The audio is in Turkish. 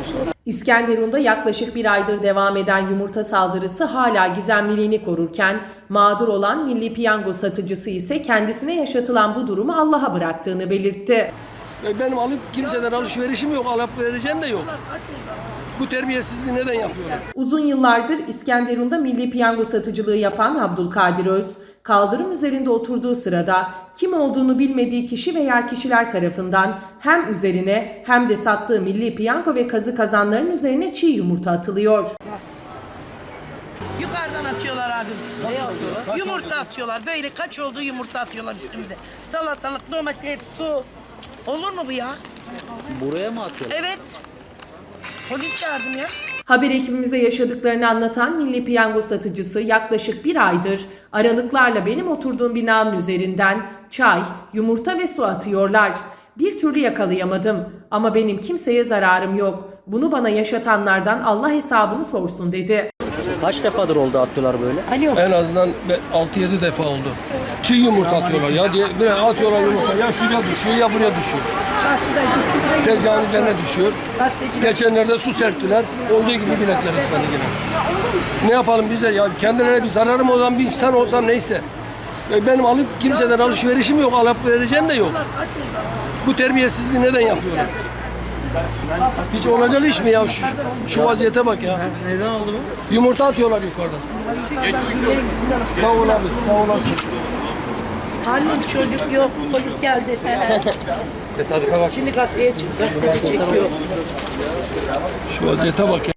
İskenderun'da yaklaşık bir aydır devam eden yumurta saldırısı hala gizemliliğini korurken mağdur olan Milli Piyango satıcısı ise kendisine yaşatılan bu durumu Allah'a bıraktığını belirtti. Benim alıp kimseden alışverişim yok, alıp vereceğim de yok. Bu terbiyesizliği neden yapıyorlar? Uzun yıllardır İskenderun'da Milli Piyango satıcılığı yapan Abdülkadir Öz, kaldırım üzerinde oturduğu sırada kim olduğunu bilmediği kişi veya kişiler tarafından hem üzerine hem de sattığı Milli Piyango ve kazı kazanların üzerine çiğ yumurta atılıyor. Yukarıdan atıyorlar abi. Ne atıyorlar? Yumurta atıyorlar. Böyle kaç olduğu yumurta atıyorlar üstümüze. Salatalık, domates, su. Olur mu bu ya? Buraya mı atıyorlar? Evet. Polis çağırdım ya. Haber ekibimize yaşadıklarını anlatan Milli Piyango satıcısı yaklaşık bir aydır aralıklarla benim oturduğum binanın üzerinden çay, yumurta ve su atıyorlar. Bir türlü yakalayamadım ama benim kimseye zararım yok. Bunu bana yaşatanlardan Allah hesabını sorsun dedi. Kaç defadır oldu atıyorlar böyle? En azından 6-7 defa oldu. Çiğ yumurta atıyorlar ya diye böyle atıyorlar yumurta. Ya şuraya düşüyor ya buraya düşüyor. Tezgahın üzerine düşüyor. Geçenlerde su serptiler. Olduğu gibi biletler ıslandı yine. Ne yapalım biz de ya kendilerine bir zararım olan bir insan olsam neyse. Benim alıp kimseden alışverişim yok, alıp vereceğim de yok. Bu terbiyesizliği neden yapıyorlar? Hiç olacak iş mi ya şu vaziyete bak ya. Neden oldu bu? Yumurta atıyorlar yukarıdan. Sağ ol abi, sağ olasın. Annem çocuk yok. Polis geldi. Tesadüfe bak. Şimdi gazeteye çıktı. Gazeteci çekiyor. Şu vaziyete bak ya.